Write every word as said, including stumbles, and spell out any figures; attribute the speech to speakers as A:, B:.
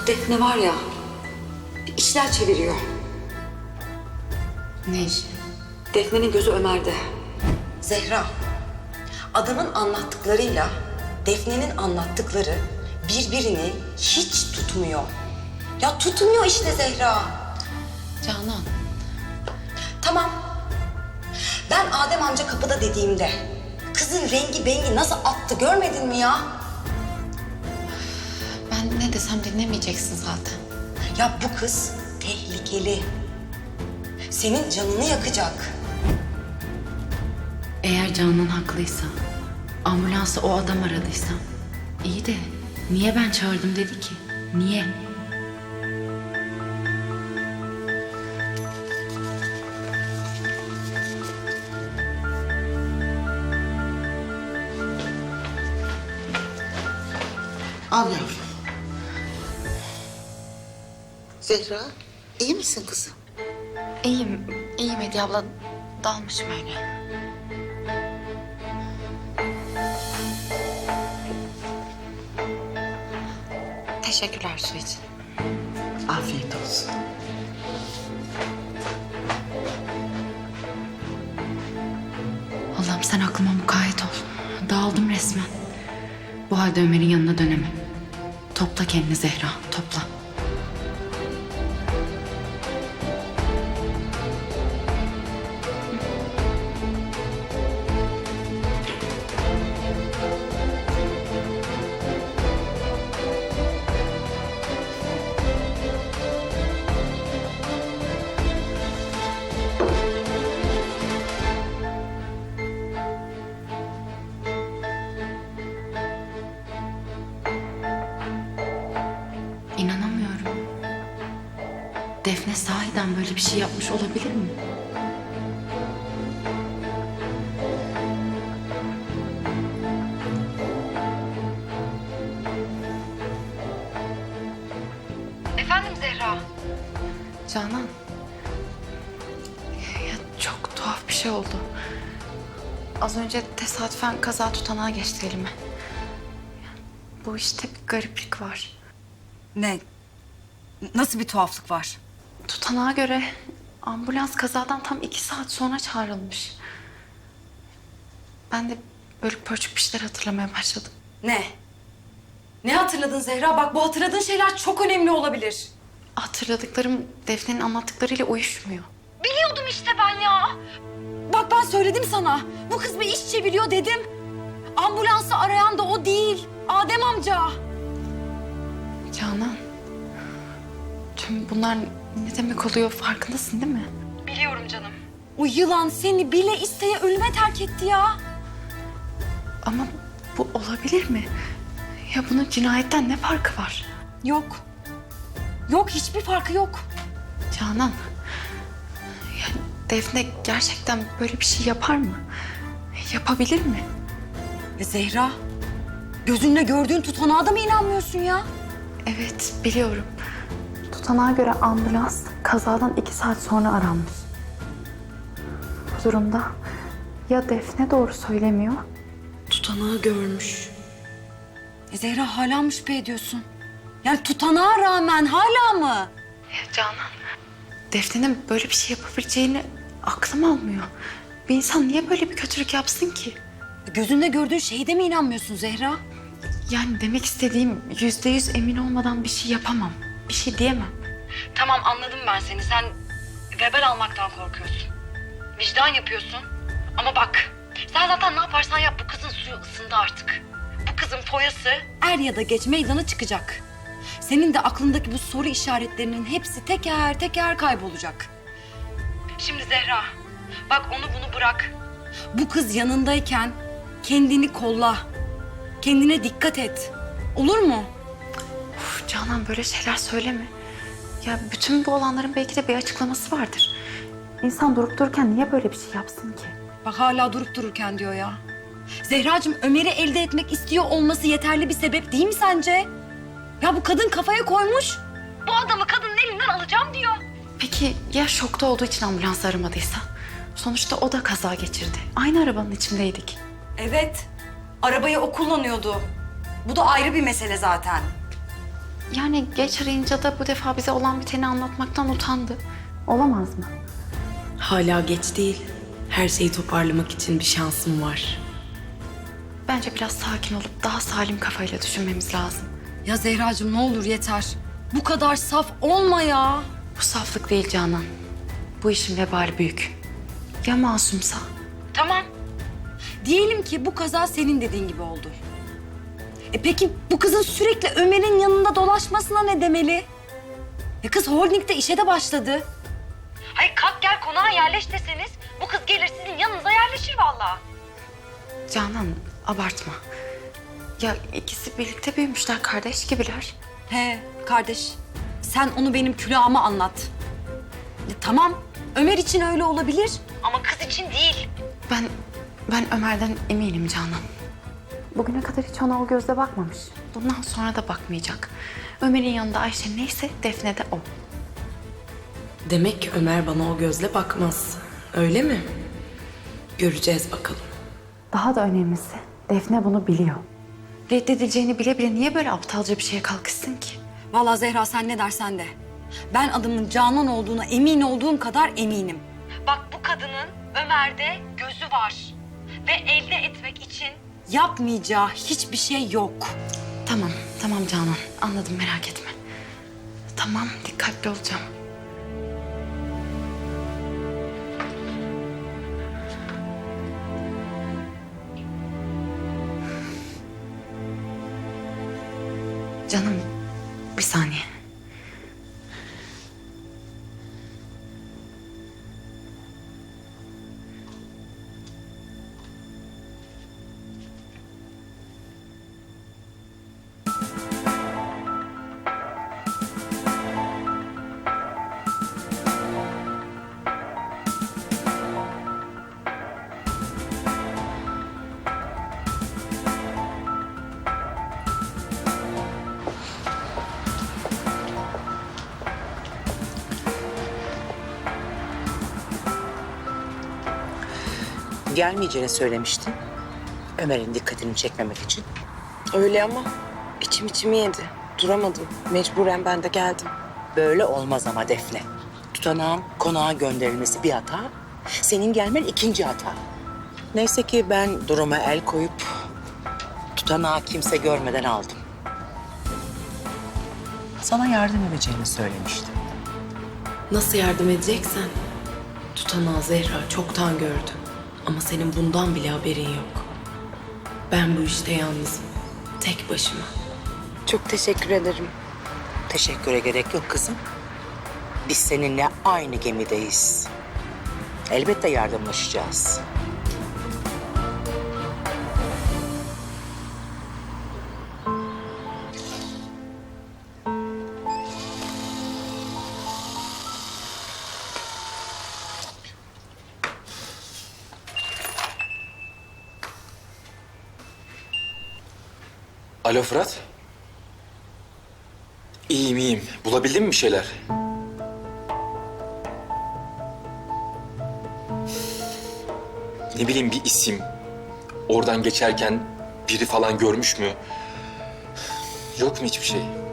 A: Bu Defne var ya, bir işler çeviriyor.
B: Ne işi?
A: Defne'nin gözü Ömer'de.
C: Zehra, adamın anlattıklarıyla Defne'nin anlattıkları birbirini hiç tutmuyor. Ya tutmuyor işte Zehra.
B: Canan.
C: Tamam. Ben Adem amca kapıda dediğimde kızın rengi bengi nasıl attı görmedin mi ya?
B: Ben ne desem dinlemeyeceksin zaten.
C: Ya bu kız tehlikeli. Senin canını yakacak.
B: Eğer Canan haklıysa, ambulansı o adam aradıysa, iyi de niye ben çağırdım dedi ki? Niye?
D: Al yavrum. Zehra, iyi misin kızım?
B: İyiyim, iyiyim Hediye abla. Dalmışım öyle. Teşekkürler su için.
D: Afiyet olsun.
B: Allah'ım sen aklıma mukayyet ol. Dağıldım resmen. Bu halde Ömer'in yanına dönemem. Topla kendini Zehra, topla. İnanamıyorum. Defne sahiden böyle bir şey yapmış olabilir mi?
C: Efendim Zehra?
B: Canan. Ya çok tuhaf bir şey oldu. Az önce tesadüfen kaza tutanağı geçti elime. Bu işte bir gariplik var.
C: Ne? Nasıl bir tuhaflık var?
B: Tutanağa göre ambulans kazadan tam iki saat sonra çağrılmış. Ben de bölük pörçük bir şeyler hatırlamaya başladım.
C: Ne? Ne hatırladın Zehra? Bak bu hatırladığın şeyler çok önemli olabilir.
B: Hatırladıklarım Defne'nin anlattıklarıyla uyuşmuyor.
C: Biliyordum işte ben ya. Bak ben söyledim sana. Bu kız bir iş çeviriyor dedim. Ambulansı arayan da o değil. Adem amca.
B: Canan. Tüm bunlar ne demek oluyor farkındasın değil mi?
C: Biliyorum canım. O yılan seni bile isteye ölüme terk etti ya.
B: Ama bu olabilir mi? Ya bunun cinayetten ne farkı var?
C: Yok. Yok hiçbir farkı yok.
B: Canan. Ya Defne gerçekten böyle bir şey yapar mı? Yapabilir mi?
C: Ya Zehra, gözünle gördüğün tutanağa da mı inanmıyorsun ya?
B: Evet biliyorum. Tutanağa göre ambulans kazadan iki saat sonra aranmış. Bu durumda ya Defne doğru söylemiyor.
C: Tutanağı görmüş. E Zehra hala mı şüphe ediyorsun? Yani tutanağa rağmen hala mı?
B: Ya Canan. Defne'nin böyle bir şey yapabileceğini aklım almıyor. Bir insan niye böyle bir kötülük yapsın ki?
C: Gözünle gördüğün şeye de mi inanmıyorsun Zehra?
B: Yani demek istediğim yüzde yüz emin olmadan bir şey yapamam. Bir şey diyemem.
C: Tamam anladım ben seni. Sen vebal almaktan korkuyorsun. Vicdan yapıyorsun. Ama bak sen zaten ne yaparsan yap bu kızın suyu ısındı artık. Bu kızın foyası er ya da geç meydana çıkacak. Senin de aklındaki bu soru işaretlerinin hepsi teker teker kaybolacak. Şimdi Zehra bak onu bunu bırak. Bu kız yanındayken kendini kolla. Kendine dikkat et. Olur mu?
B: Uf, Canan böyle şeyler söyleme. Ya bütün bu olanların belki de bir açıklaması vardır. İnsan durup dururken niye böyle bir şey yapsın ki?
C: Bak hala durup dururken diyor ya. Zehracığım Ömer'i elde etmek istiyor olması yeterli bir sebep değil mi sence? Ya bu kadın kafaya koymuş. Bu adamı kadının elinden alacağım diyor.
B: Peki ya şokta olduğu için ambulans aramadıysa? Sonuçta o da kaza geçirdi. Aynı arabanın içindeydik.
C: Evet. Arabayı o kullanıyordu. Bu da ayrı bir mesele zaten.
B: Yani geç arayınca da bu defa bize olan biteni anlatmaktan utandı. Olamaz mı?
E: Hala geç değil. Her şeyi toparlamak için bir şansım var.
B: Bence biraz sakin olup daha salim kafayla düşünmemiz lazım.
C: Ya Zehracığım ne olur yeter. Bu kadar saf olma ya.
B: Bu saflık değil Canan. Bu işin vebali büyük. Ya masumsa?
C: Tamam. Diyelim ki bu kaza senin dediğin gibi oldu. E peki bu kızın sürekli Ömer'in yanında dolaşmasına ne demeli? E kız holdingde işe de başladı. Hayır kalk gel konağa yerleş deseniz bu kız gelir sizin yanınıza yerleşir vallahi.
B: Canan abartma. Ya ikisi birlikte büyümüşler, kardeş gibiler.
C: He kardeş sen onu benim külahıma anlat. E, tamam Ömer için öyle olabilir ama kız için değil.
B: Ben, ben Ömer'den eminim Canan. Bugüne kadar hiç ona o gözle bakmamış. Bundan sonra da bakmayacak. Ömer'in yanında Ayşe neyse Defne de o.
E: Demek ki Ömer bana o gözle bakmaz. Öyle mi? Göreceğiz bakalım.
B: Daha da önemlisi Defne bunu biliyor. Reddedileceğini bile bile niye böyle aptalca bir şeye kalkışsın ki?
C: Vallahi Zehra sen ne dersen de. Ben adımın Canan olduğuna emin olduğum kadar eminim. Bak bu kadının Ömer'de gözü var. Ve elde etmek için yapmayacağı hiçbir şey yok.
B: Tamam, tamam Canan. Anladım, merak etme. Tamam, dikkatli olacağım. Canım, bir saniye.
F: Gelmeyeceğini söylemiştin. Ömer'in dikkatini çekmemek için.
E: Öyle ama içim içimi yedi. Duramadım. Mecburen ben de geldim.
F: Böyle olmaz ama Defne. Tutanağın konağa gönderilmesi bir hata. Senin gelmen ikinci hata. Neyse ki ben duruma el koyup tutanağı kimse görmeden aldım. Sana yardım edeceğini söylemiştim.
E: Nasıl yardım edeceksen? Tutanağı Zehra çoktan gördü. Ama senin bundan bile haberin yok. Ben bu işte yalnızım. Tek başıma. Çok teşekkür ederim.
F: Teşekküre gerek yok kızım. Biz seninle aynı gemideyiz. Elbette yardımlaşacağız.
G: Alo Fırat. İyiyim iyiyim. Bulabildin mi bir şeyler? Ne bileyim bir isim. Oradan geçerken biri falan görmüş mü? Yok mu hiçbir şey?